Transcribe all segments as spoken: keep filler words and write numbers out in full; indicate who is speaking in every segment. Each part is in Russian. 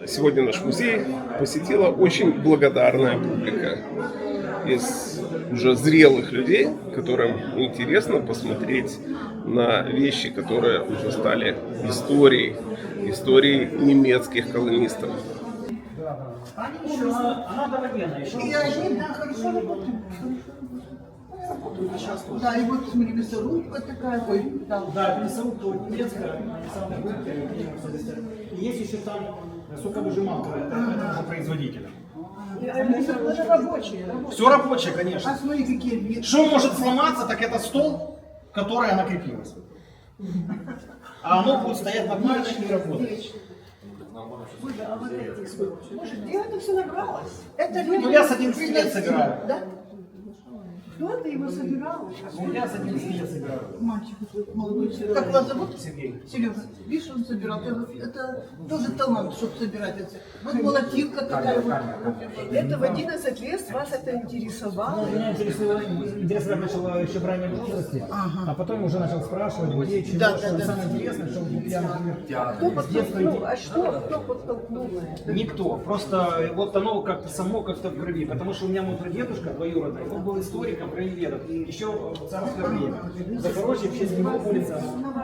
Speaker 1: Сегодня наш музей посетила очень благодарная публика из уже зрелых людей, которым интересно посмотреть на вещи, которые уже стали историей, историей немецких колонистов.
Speaker 2: Она довоенная еще.
Speaker 3: И они, да, хорошо работают. Да, и вот смотри, мясорубка такая, ой, да.
Speaker 2: Да, мясорубка вот немецкая, самая крупная. И есть еще там соковыжималка, это уже производителя.
Speaker 3: Это рабочие.
Speaker 2: Все рабочее, конечно.
Speaker 3: А смотри, какие виды.
Speaker 2: Что может сломаться, так это стол, в который она крепилась. А оно будет стоять нормально и работать.
Speaker 3: Слушай, где это все набралось? Это
Speaker 2: Ну я с одиннадцати лет собираю.
Speaker 3: Да? Кто ты его собирал?
Speaker 2: Ну я с одиннадцати лет собираю.
Speaker 3: Мальчик молодой. Как вас зовут?
Speaker 2: Сергей.
Speaker 3: Серега, видишь, он собирал. Это, это тоже талант, чтобы собирать это. Вот молотилка такая вот.
Speaker 4: Это в одиннадцать лет вас это интересовало?
Speaker 2: Меня интересовало, интересовать начало еще в раннем возрасте, а потом уже начал спрашивать, где, чего,
Speaker 3: Да,
Speaker 2: что
Speaker 3: да, да.
Speaker 2: самое интересное, что я, например,
Speaker 4: Кто
Speaker 2: с детства иди-
Speaker 4: подтолкнул? А что? Кто подтолкнул на это?
Speaker 2: Никто, просто вот оно как-то само как-то в крови, потому что у меня мой прадедушка двоюродный, он был историком, краеведом, и еще в царское время. В Запорожье в честь него улица.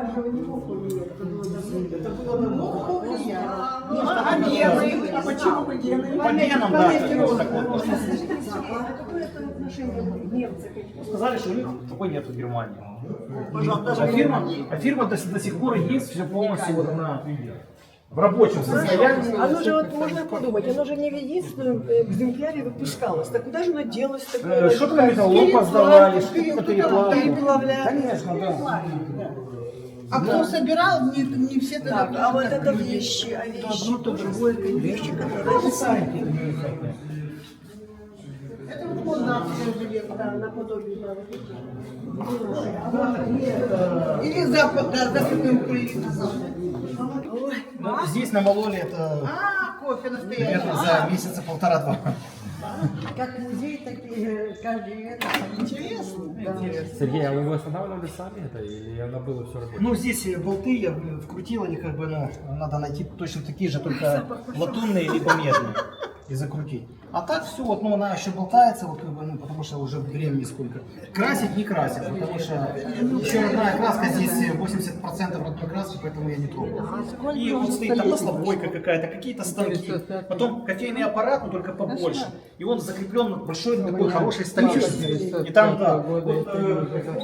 Speaker 2: Это было давно.
Speaker 3: А гены? А почему вы гены?
Speaker 2: По генам, да. так вот.
Speaker 4: Какое это отношение немцы?
Speaker 2: Сказали, что у них такой нет в Германии.
Speaker 3: Пожалуйста,
Speaker 2: А фирма, а фирма до, до сих пор есть, все полностью вот она в рабочем состоянии.
Speaker 4: Оно же вот можно подумать, оно же не в единственном экземпляре выпускалось. Так куда же оно делось
Speaker 2: Э,
Speaker 4: такое?
Speaker 2: Что-то на металлолом поздавали, что-то на переплавку.
Speaker 4: Переплавляли.
Speaker 2: Конечно, да.
Speaker 3: А кто собирал, не, не все тогда.
Speaker 4: Так, а вот это вещи, а вещи,
Speaker 3: одно, то другое.
Speaker 4: вещи, которые
Speaker 3: Это вот молдавское железо.
Speaker 4: да, наподобие, да, вот эти.
Speaker 3: Или запад, да, западная Украина.
Speaker 4: Ой,
Speaker 2: Ну, здесь намололи это
Speaker 3: А, кофе настоящий.
Speaker 2: примерно за месяца полтора-два.
Speaker 4: как музей, так и каждый это
Speaker 3: Интересно.
Speaker 5: Сергей, а вы его останавливали сами это или она было все рабочее?
Speaker 2: Ну, здесь болты я вкрутил, они как бы, ну, надо найти точно такие же, только латунные либо медные и закрутить. А так все, вот, ну, она еще болтается, вот, как бы, ну, потому что уже времени сколько. Красить не красит, потому что еще родная краска, здесь восемьдесят процентов родной краски, поэтому я не трогаю. И вот стоит там маслобойка какая-то, какие-то станки, потом кофейный аппарат, но только побольше. И он закреплен на большой такой хорошей столешнице. И там, да, вот, э,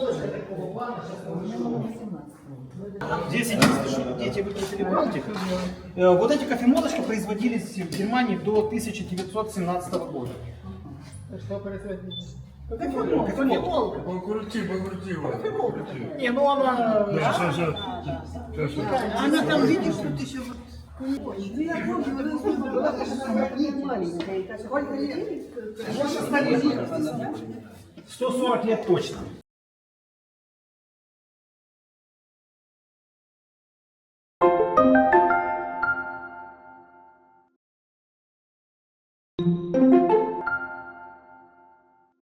Speaker 2: здесь единственное, что дети выкрутили бантик. Э, Вот эти кофемолочки производились в Германии до тысяча девятьсот семнадцатого года.
Speaker 3: Кофемолка, кофемолка.
Speaker 6: Покрути, покрути его.
Speaker 2: Не, ну она...
Speaker 3: Она там, видишь, тут еще вот.
Speaker 4: Ну, я помню, вот это была такая маленькая. Так, сколько лет?
Speaker 2: сто сорок лет точно.